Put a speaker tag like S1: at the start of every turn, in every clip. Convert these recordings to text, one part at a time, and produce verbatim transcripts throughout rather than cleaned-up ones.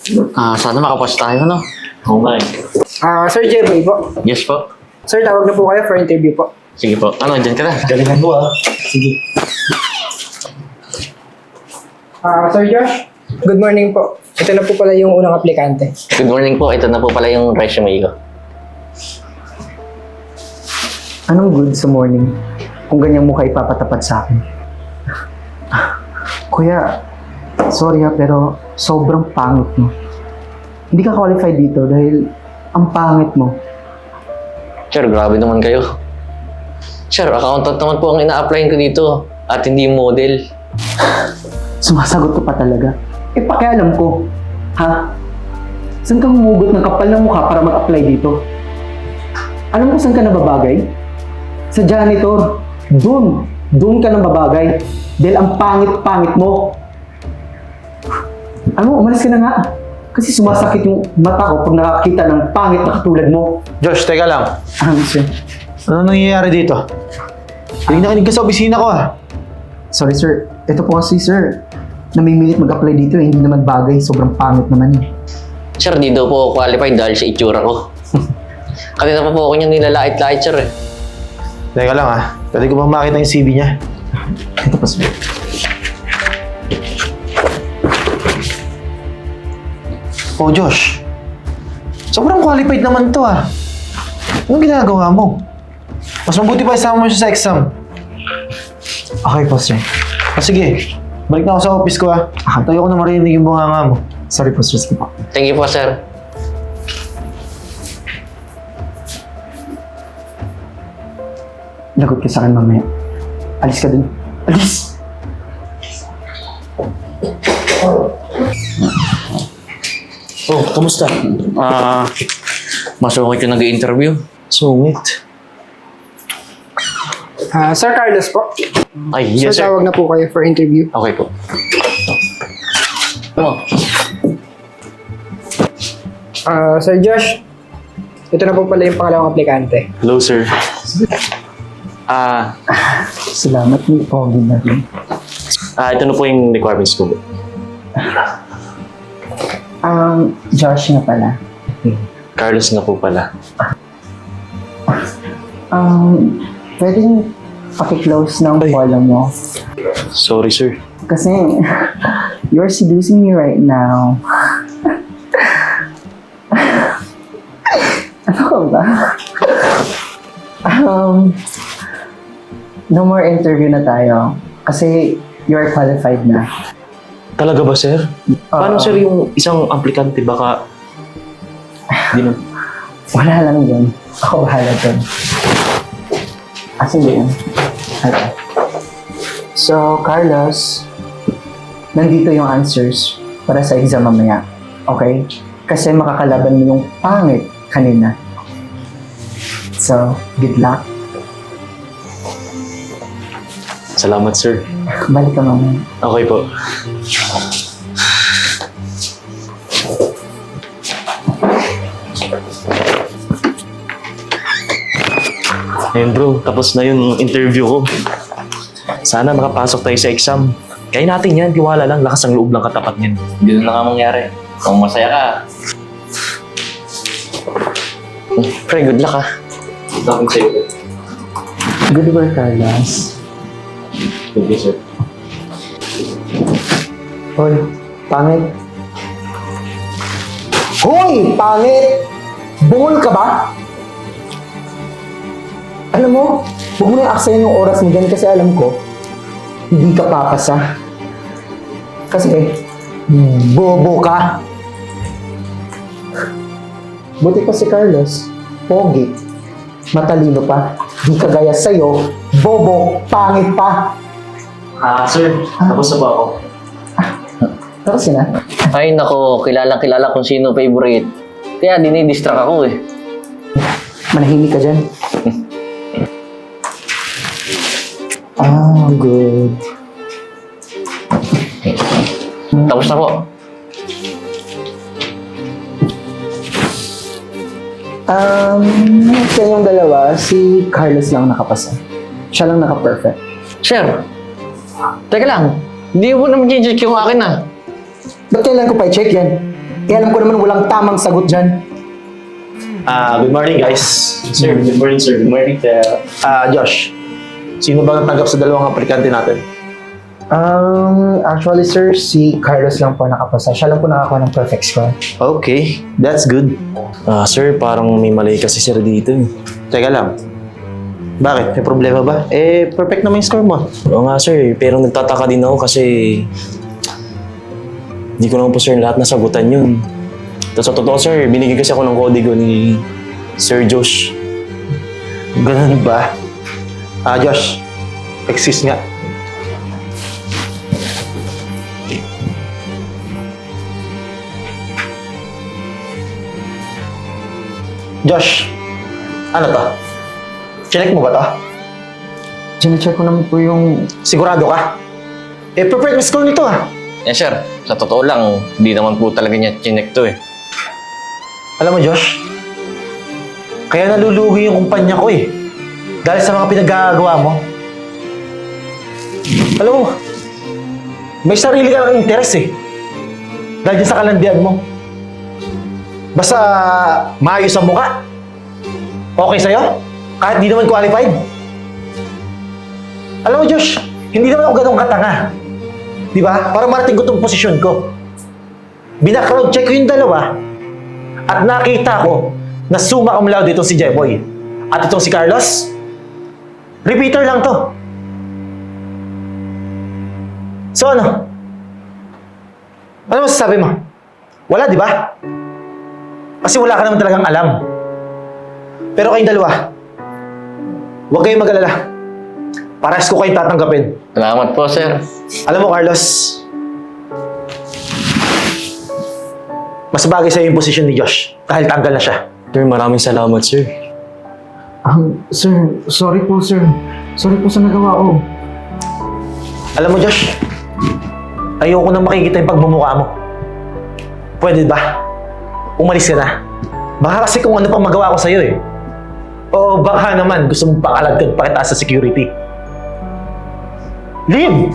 S1: Ah, sana makapasa tayo, no? Oo nga eh.
S2: Ah, Sir Jeboy po.
S1: Yes po.
S2: Sir, tawag na po kayo for interview po.
S1: Sige po. Ano, dyan ka na.
S3: Galingan mo ah.
S2: Sige. Ah, Sir Josh, good morning po. Ito na po pala yung unang aplikante.
S1: Good morning po. Ito na po pala yung resume ko.
S4: Anong good sa morning kung ganyan mo kayo ipapatapat sa akin? Kuya, sorry ha, pero sobrang pangit mo. Hindi ka qualified dito dahil ang pangit mo.
S1: Sir, grabe naman kayo. Sir, accountant naman po ang ina-applyin ko dito at hindi model.
S4: Sumasagot ka pa talaga. Eh, pakialam ko. Ha? Saan ka humugot ng kapal ng mukha para mag-apply dito? Alam mo saan ka nababagay? Sa janitor. Doon. Doon ka nababagay. Dahil ang pangit-pangit mo. Ano, umalis ka na nga. Kasi sumasakit yung mata ko pag nakakita ng pangit na katulad mo.
S3: Josh, teka lang.
S4: Ah, sir.
S3: Ano nangyayari dito? Kinig na kinig ka sa opisina ko ah.
S4: Sorry, sir. Ito po kasi, sir. Namimilit mag-apply dito eh. Hindi naman bagay. Sobrang pangit naman eh.
S1: Sir, di daw po ako qualified dahil sa itsura ko. Kanina pa po ako niyang nilalait-lait, sir eh.
S3: Teka lang ah. Pwede ko bang makita yung C V niya?
S4: Ito po, sir.
S3: Oh, Josh. Sobrang qualified naman to ah. Anong ginagawa mo? Mas mabuti pa isama mo siya sa exam.
S4: Okay po, sir.
S3: O sige, balik na ako sa office ko ah. Tayo ko na marinig yung bunganga mo.
S4: Sorry po, sir. Sige po.
S1: Thank you po, sir.
S4: Lagot ka sa akin mamaya. Alis ka dun. Alis!
S3: Oh, kamusta?
S1: Ah, masungit yung nag-i-interview.
S3: Sungit.
S2: Ah, Sir Carlos po.
S1: Ay, yes,
S2: Sir,
S1: sir.
S2: tawag na po kayo for interview.
S1: Okay po. Ano?
S2: Ah, Sir Josh, ito na po pala yung pangalawang aplikante.
S3: Hello, sir.
S1: Ah,
S4: Salamat, may pogi na rin.
S1: ah, ito na po yung requirements ko.
S4: Um, Josh nga pala.
S1: Carlos na po pala.
S4: Um, pwedeng paki-close ng follow mo.
S1: Sorry, sir.
S4: Kasi, you're seducing me right now. Ano ka ba? um, no more interview na tayo. Kasi, you're qualified na.
S5: Talaga ba, sir? Paano,
S4: Oo.
S5: sir, yung isang aplikante baka... Di na...
S4: Wala lang yun. Ako bahala dun. Asan ba yun? Okay. So, Carlos, nandito yung answers para sa exam mamaya. Okay? Kasi makakalaban mo yung pangit kanina. So, good luck.
S5: Salamat, sir.
S4: Balik ka mamaya.
S5: Okay po. Ayun bro, tapos na yung interview ko. Sana makapasok tayo sa exam. Kaya natin yan, tiwala lang, lakas ang loob lang katapat niyan.
S1: Ganun na nga mangyari. Kung masaya ka. Pre, good luck ah.
S5: Bakit sa'yo?
S4: Good work, Carlos.
S5: Thank you, sir.
S4: Hoy, pangit. Hoy, pangit! Bungol ka ba? Alam mo, huwag mo nang aksayan yung oras mo dyan kasi alam ko, hindi ka papasa. Kasi, bobo ka. Buti pa si Carlos, pogi, matalino pa, di kagaya sa'yo, bobo, pangit pa.
S5: Ah, sir, tapos na ba ako?
S4: Tapos yun ah.
S1: Ay nako, kilalang kilala kung sino favorite. Kaya dinidistract ako eh.
S4: Manahimik ka dyan. Ah, good.
S1: Tapos na po.
S4: Um, sa yung dalawa, si Carlos lang nakapasa. Siya lang naka-perfect.
S1: Sir, teka lang. Hindi mo naman i-check yung akin ah.
S4: Ba't kailan ko pa i-check yan? Eh alam ko naman walang tamang sagot dyan.
S3: Ah, good morning guys.
S5: Sir, good morning, sir. Good morning.
S3: Ah, Josh. Sino ba natanggap sa dalawang aplikante natin?
S2: Um, actually sir, si Carlos lang po nakapasa. Siya lang po nakakuha ng perfect score.
S3: Okay, that's good.
S5: Ah, sir, parang may mali kasi sir dito. eh.
S3: Teka lang. Bakit? May problema ba? Eh, perfect naman yung score mo.
S5: Oo nga, sir. Pero nagtataka din ako kasi hindi ko naman po, sir, lahat nasagutan yun. Tapos sa totoo, sir, binigyan kasi ako ng kodigo ni Sir Josh.
S3: Ganun ba? Ah, Josh. Excuse nga. Josh, ano to? Chinek mo ba to?
S2: Sinecheck ko naman po yung...
S3: Sigurado ka? Eh, perfect yung score nito ah.
S1: Eh sir, sa totoo lang, hindi naman po talaga niya chinek to eh.
S3: Alam mo, Josh, kaya nalulugi yung kumpanya ko eh. Dahil sa mga pinagagawa mo. Alam mo, may sarili ka ng interes eh. Dahil dyan sa kalandian mo. Basta maayos ang mukha. Okay sa'yo? Kahit di naman qualified. Alam mo, Josh, hindi naman ako ganun katanga. Di ba? Para marating ko itong posisyon ko. Bina-crowd check ko yung dalawa at nakita ko na summa cum laude itong si Jeboy. At itong si Carlos, repeater lang to. So ano? Ano masasabi mo? Wala, di ba? Kasi wala ka naman talagang alam. Pero kayong dalawa, huwag kayong mag-alala. Parehas ko kayong tatanggapin.
S1: Salamat po sir.
S3: Alam mo, Carlos, mas bagay sa'yo yung posisyon ni Josh dahil tanggal na siya.
S5: Sir, maraming salamat, sir.
S2: Um, sir, sorry po sir. Sorry po sa nagawa ko.
S3: Alam mo, Josh, ayoko nang makikita yung pagmumukha mo. Pwede ba? Umalis ka na. Baka kasi kung ano pang magawa ko sa'yo eh. O baka naman gusto mong pakalagkan pa kita sa security. Leave!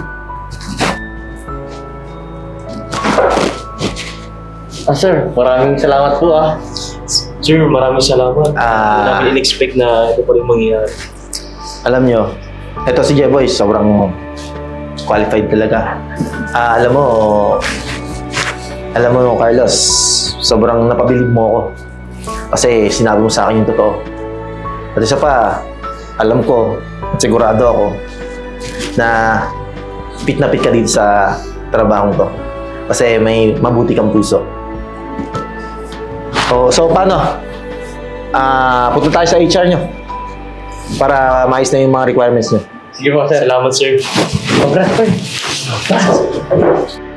S1: Ah sir, maraming salamat po ah.
S5: Sir, maraming salamat. Hindi
S3: Ah.
S5: namin in-expect na ito pa rin mangyayari.
S3: Alam nyo, eto si Jeboy, sobrang qualified talaga. Ah, alam mo, alam mo, Carlos, sobrang napabilib mo ako. Kasi sinabi mo sa akin yung totoo. At isa pa, alam ko, at sigurado ako, na fit na fit ka dito sa trabahong to. Kasi may mabuti kang puso. Oh, so paano? Ah, punta tayo sa H R nyo para maayos na yung mga requirements nyo.
S5: Sige po, sir. Salamat, sir.
S1: Congrats sir.